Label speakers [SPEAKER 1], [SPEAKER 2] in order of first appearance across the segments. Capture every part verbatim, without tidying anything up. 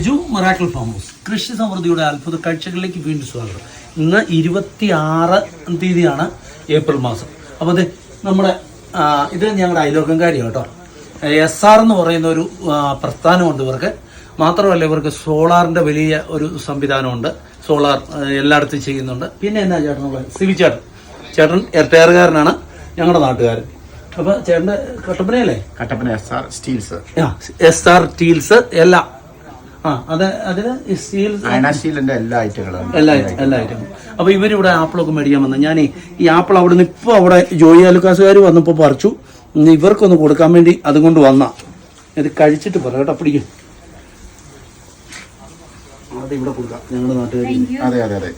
[SPEAKER 1] Miracle farm house കൃഷി സമൃദ്ധിയുടെ അത്ഭുത കാഴ്ചകളിലേക്ക് വീണ്ടും സ്വാഗതം. ഇന്ന് ഇരുപത്തി ആറ് തീയതിയാണ് ഏപ്രിൽ മാസം. അപ്പോൾ അത് നമ്മുടെ ഇത് ഞങ്ങളുടെ അയലോക്കംകാരിയാണ് കേട്ടോ. എസ് ആർ എന്ന് പറയുന്ന ഒരു പ്രസ്ഥാനമുണ്ട് ഇവർക്ക്. മാത്രമല്ല ഇവർക്ക് സോളാറിന്റെ വലിയ ഒരു സംവിധാനമുണ്ട്. സോളാർ എല്ലായിടത്തും ചെയ്യുന്നുണ്ട്. പിന്നെ എന്നാ ചേട്ടനുള്ള സിവി ചേട്ടൻ ചേട്ടൻ എർട്ടയറുകാരനാണ്, ഞങ്ങളുടെ നാട്ടുകാരൻ. അപ്പൊ ചേട്ടന്റെ കട്ടപ്പനയല്ലേ?
[SPEAKER 2] Kattappana S R steels.
[SPEAKER 1] S R steels എല്ലാം ആ അത് അതിന്
[SPEAKER 2] സ്റ്റീലിന്റെ എല്ലാ ഐറ്റങ്ങളും
[SPEAKER 1] എല്ലാ എല്ലാ ഐറ്റങ്ങളും. അപ്പൊ ഇവരിവിടെ ആപ്പിളൊക്കെ മേടിക്കാൻ വന്നു. ഞാൻ ഈ ആപ്പിൾ അവിടെ നിന്ന് ഇപ്പൊ അവിടെ ജോയി ആലുക്കാസുകാർ വന്നപ്പോ പറിച്ചു. ഇവർക്കൊന്ന് കൊടുക്കാൻ വേണ്ടി അതുകൊണ്ട് വന്ന ഇത് കഴിച്ചിട്ട് പറയാം കേട്ടോ. പിടിക്കും അത് ഇവിടെ കൊടുക്കാം ഞങ്ങളുടെ നാട്ടുകാർ.
[SPEAKER 2] അതെ അതെ അതെ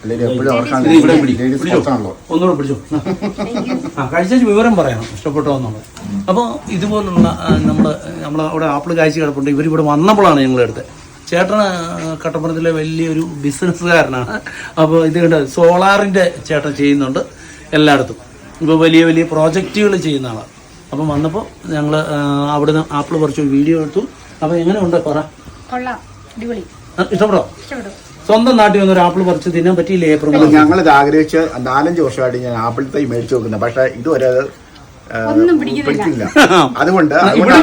[SPEAKER 1] ഒന്നുകൂടെ പിടിച്ചു. ആ കഴിച്ച വിവരം പറയണം ഇഷ്ടപ്പെട്ടോ എന്നുള്ളത്. അപ്പോൾ ഇതുപോലുള്ള നമ്മൾ നമ്മൾ അവിടെ ആപ്പിൾ കാഴ്ച കിടപ്പുണ്ട്. ഇവരിവിടെ വന്നപ്പോഴാണ് ഞങ്ങളെടുത്ത്. ചേട്ടന് കട്ടപ്പനത്തിലെ വലിയൊരു ബിസിനസ്സുകാരനാണ്. അപ്പോൾ ഇത് കണ്ട് സോളാറിൻ്റെ ചേട്ടൻ ചെയ്യുന്നുണ്ട് എല്ലായിടത്തും. ഇപ്പോൾ വലിയ വലിയ പ്രോജക്റ്റുകൾ ചെയ്യുന്ന ആളാണ്. അപ്പം വന്നപ്പോൾ ഞങ്ങൾ അവിടുന്ന് ആപ്പിൾ പറിച്ചു വീഡിയോ എടുത്തു. അപ്പോൾ എങ്ങനെയുണ്ട് പറ? ഇഷ്ടപ്പെട്ടോ? സ്വന്തം നാട്ടിൽ വന്നൊരു ആപ്പിൾ പറിച്ച് തിന്നാൻ പറ്റിയില്ലേ? ഏപ്രിൽ
[SPEAKER 2] ഞങ്ങളിത് ആഗ്രഹിച്ച് നാലഞ്ച് വർഷമായിട്ട് ഞാൻ ആപ്പിൾ തൈ മേടിച്ചു നോക്കുന്നത്. പക്ഷെ ഇതുവരെ പിടിക്കില്ല. അതുകൊണ്ട്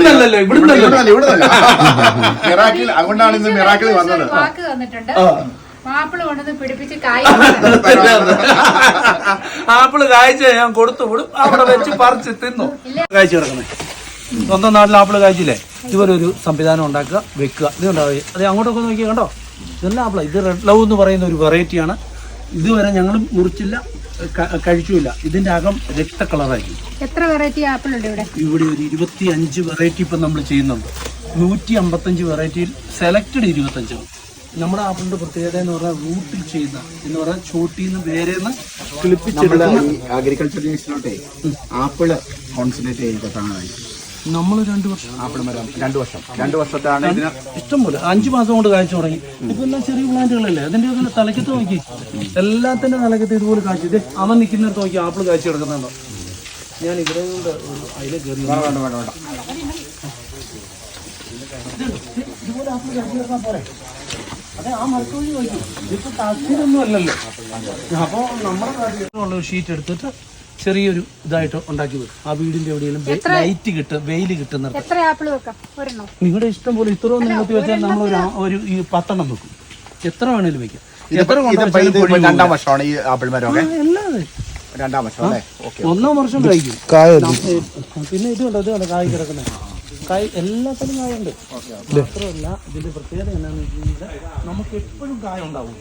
[SPEAKER 2] അതുകൊണ്ടാണ് ഇന്ന് മിറാക്കിൾ വന്നത്.
[SPEAKER 1] ആപ്പിള് കായ്ച്ച ഞാൻ കൊടുത്തു വിടും, അവിടെ വെച്ച് പറിച്ച് തിന്നു. കായ്ച്ചു കിടക്കുന്നേ സ്വന്തം നാട്ടിൽ ആപ്പിള് കായ്ച്ചില്ലേ? ഇതുപോലെ ഒരു സംവിധാനം ഉണ്ടാക്കുക, വെക്കുക. ഇതുണ്ടാവുക അത് അങ്ങോട്ടൊക്കെ നോക്കി കണ്ടോ. ഇതെല്ലാം ആപ്പിള. ഇത് റെഡ് ലവ് എന്ന് പറയുന്ന ഒരു വെറൈറ്റിയാണ്. ഇതുവരെ ഞങ്ങൾ മുറിച്ചില്ല, കഴിച്ചില്ല. ഇതിന്റെ അകം രക്ത കളറായിരിക്കും.
[SPEAKER 3] എത്ര വെറൈറ്റി ആപ്പിൾ ഉണ്ട് ഇവിടെ?
[SPEAKER 1] ഇവിടെ ഒരു ഇരുപത്തി അഞ്ച് വെറൈറ്റി ഇപ്പം നമ്മൾ ചെയ്യുന്നുണ്ട്. നൂറ്റി അമ്പത്തഞ്ച് വെറൈറ്റിയിൽ സെലക്റ്റഡ് ഇരുപത്തഞ്ചാണ്. നമ്മുടെ ആപ്പിളിന്റെ പ്രത്യേകത എന്ന് പറഞ്ഞാൽ റൂട്ടിൽ ചെയ്യുന്ന എന്ന് പറഞ്ഞാൽ ചോട്ടിന്ന് വേരെന്ന് കിളിപ്പിച്ചെടുക്കുന്ന
[SPEAKER 2] അഗ്രികൾച്ചർ യൂണിവേഴ്സിറ്റിയിലോട്ടെ ആപ്പിള് കോൺസെൻട്രേറ്റ് ചെയ്തിട്ടാണ്
[SPEAKER 1] നമ്മൾ രണ്ടു വർഷം
[SPEAKER 2] ആപ്പിൾ മരം രണ്ടു വർഷം രണ്ടു വർഷത്താണ് ഇതിന്
[SPEAKER 1] ഇഷ്ടം പോലെ അഞ്ചു മാസം കൊണ്ട് കാഴ്ച തുടങ്ങി. ഇപ്പൊ എല്ലാം ചെറിയ പ്ലാന്റുകളല്ലേ. അതിന്റെ ഒക്കെ തലക്കത്ത് നോക്കി, എല്ലാത്തിന്റെ തലക്കത്ത് ഇതുപോലെ കാഴ്ച. ഇത് അവൻ നിൽക്കുന്നിടത്ത് നോക്കി ആപ്പിൾ കാഴ്ച കിടക്കുന്നുണ്ടോ? ഞാൻ ഇവിടെ കൊണ്ട് ഒരു അതിലെ കയറി ഇതുപോലെ ആപ്പിൾ കാഴ്ച കിടക്കാൻ പോരെ. അതെ, ആ മരത്തോഴി നോക്കി. ഇതിപ്പോ താല്പര്യമൊന്നും അല്ലല്ലോ. അപ്പൊ നമ്മുടെ കാര്യമുള്ള ഒരു ഷീറ്റ് എടുത്തിട്ട് ചെറിയൊരു ഇതായിട്ട് ഉണ്ടാക്കി വെക്കും. ആ വീടിന്റെ എവിടെയെങ്കിലും ലൈറ്റ് കിട്ടും, വെയിൽ കിട്ടുന്ന നിങ്ങളുടെ ഇഷ്ടം പോലെ. ഇത്രയും നീളത്തി വെച്ചാൽ നമ്മൾ ഒരു ഈ പത്തെണ്ണം വെക്കും. എത്ര വേണേലും വെക്കാം.
[SPEAKER 2] രണ്ടാം വർഷമാണ് ഈ ആപ്പിൾ മരം. രണ്ടാം വർഷം അല്ലേ?
[SPEAKER 1] ഒന്നാം വർഷം കഴിക്കും. പിന്നെ ഇത് കണ്ടോ, ഇത് കണ്ടോ കായ് കിടക്കുന്നത്. കായ് എല്ലാത്തിനും കായുണ്ട്. മാത്രമല്ല ഇതിന്റെ പ്രത്യേകത എന്നാന്ന് വെച്ച് കഴിഞ്ഞാൽ നമുക്ക് എപ്പോഴും കായ ഉണ്ടാവും.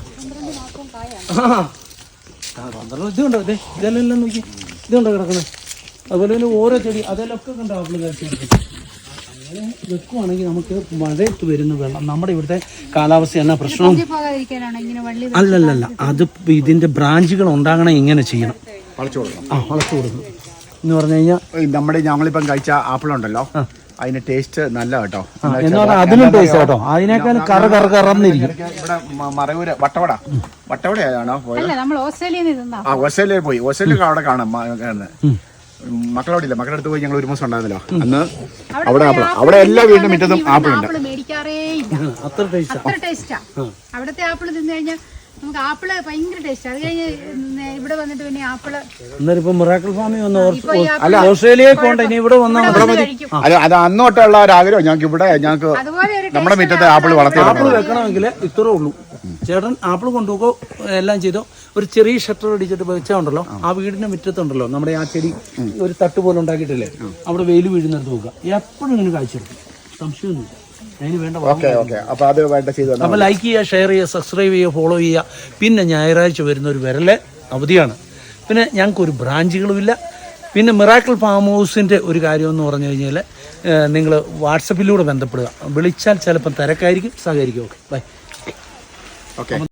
[SPEAKER 1] ഇതുണ്ടോ, അതെ ഇതെല്ലാം നോക്കി. ഇതുണ്ടോ കിടക്കുന്നത്. അതുപോലെ തന്നെ ഓരോ ചെടി അതിലൊക്കെ കണ്ടോ ആപ്പിൾ കാഴ്ച. അങ്ങനെ വെക്കുവാണെങ്കിൽ നമുക്ക് മഴയത്ത് വരുന്ന വെള്ളം നമ്മുടെ ഇവിടുത്തെ കാലാവസ്ഥ എന്നാ പ്രശ്നം അല്ലല്ലല്ല. അത് ഇതിന്റെ ബ്രാഞ്ചുകൾ ഉണ്ടാകണം. ഇങ്ങനെ ചെയ്യണം,
[SPEAKER 2] വളച്ചു കൊടുക്കണം.
[SPEAKER 1] ആ വളച്ചു കൊടുക്കണം എന്ന് പറഞ്ഞു കഴിഞ്ഞാൽ
[SPEAKER 2] നമ്മുടെ ഞങ്ങളിപ്പം കഴിച്ച ആപ്പിൾ ഉണ്ടല്ലോ, അതിന്റെ ടേസ്റ്റ് നല്ല കേട്ടോ.
[SPEAKER 1] എന്ന് പറഞ്ഞാൽ അതിനും ടേസ്റ്റ് കേട്ടോ. അതിനേക്കാൾ കറ കറ കറന്നിരിക്കും.
[SPEAKER 2] ഇവിടെ മറയൂര് വട്ടവട വട്ടവടയാണോ പോയത്? ആ ഓസ്ട്രേലിയയിൽ പോയി. ഓസ്ട്രേലിയ അവിടെ കാണാം. മക്കളവിടെ ഇല്ല, മക്കളുടെ അടുത്ത് പോയി ഞങ്ങൾ ഒരു മാസം ഉണ്ടായിരുന്നല്ലോ. അന്ന് അവിടെ ആപ്പിൾ, അവിടെ എല്ലാ വീടിന്റെ മുറ്റത്തും ആപ്പിൾ ഉണ്ട്.
[SPEAKER 1] അത്ര
[SPEAKER 3] ടേസ്റ്റാ അവിടുത്തെ ആപ്പിൾ തിന്നു കഴിഞ്ഞാൽ നമുക്ക് ആപ്പിള് ഭയങ്കര ടേസ്റ്റ്. അത് കഴിഞ്ഞ് ഇവിടെ വന്നിട്ട് പിന്നെ ആപ്പിള്
[SPEAKER 1] ഇപ്പൊ മിറാക്കിൾ ഫാമിൽ വന്ന ഓസ്ട്രേലിയയിൽ പോകണ്ട, ഇനി ഇവിടെ വന്നാൽ
[SPEAKER 2] അത് അത് അന്ന് തൊട്ടുള്ള ഒരു ആഗ്രഹം ഞങ്ങൾക്ക്. ഇവിടെ ഞങ്ങൾക്ക് നമ്മുടെ മുറ്റത്ത് ആപ്പിൾ വളർത്തി
[SPEAKER 1] ആപ്പിൾ വെക്കണമെങ്കിൽ ഇത്രേ ഉള്ളൂ. ചേട്ടൻ ആപ്പിൾ കൊണ്ടുപോകോ എല്ലാം ചെയ്തോ. ഒരു ചെറിയ ഷട്ടർ അടിച്ചിട്ട് വെച്ചാൽ ഉണ്ടല്ലോ, ആ വീടിന്റെ മുറ്റത്തുണ്ടല്ലോ നമ്മുടെ ആ ചെടി ഒരു തട്ട് പോലെ ഉണ്ടാക്കിയിട്ടില്ലേ, അവിടെ വെയിൽ വീഴുന്നിടത്ത് നോക്കുക. എപ്പോഴും ഇങ്ങനെ കാഴ്ചയെടുക്കും, സംശയമൊന്നുമില്ല. അതിന് വേണ്ട അപ്പൊ ലൈക്ക് ചെയ്യുക, ഷെയർ ചെയ്യുക, സബ്സ്ക്രൈബ് ചെയ്യുക, ഫോളോ ചെയ്യുക. പിന്നെ ഞായറാഴ്ച വരുന്ന ഒരു വിരലെ അവധിയാണ്. പിന്നെ ഞങ്ങൾക്കൊരു ബ്രാഞ്ചുകളുമില്ല. പിന്നെ മിറാക്കിൾ ഫാം ഹൗസിൻ്റെ ഒരു കാര്യമെന്ന് പറഞ്ഞു കഴിഞ്ഞാൽ നിങ്ങൾ വാട്സപ്പിലൂടെ ബന്ധപ്പെടുക. വിളിച്ചാൽ ചിലപ്പം തിരക്കായിരിക്കും, സഹകരിക്കും. Okay bye.
[SPEAKER 2] ഓക്കെ.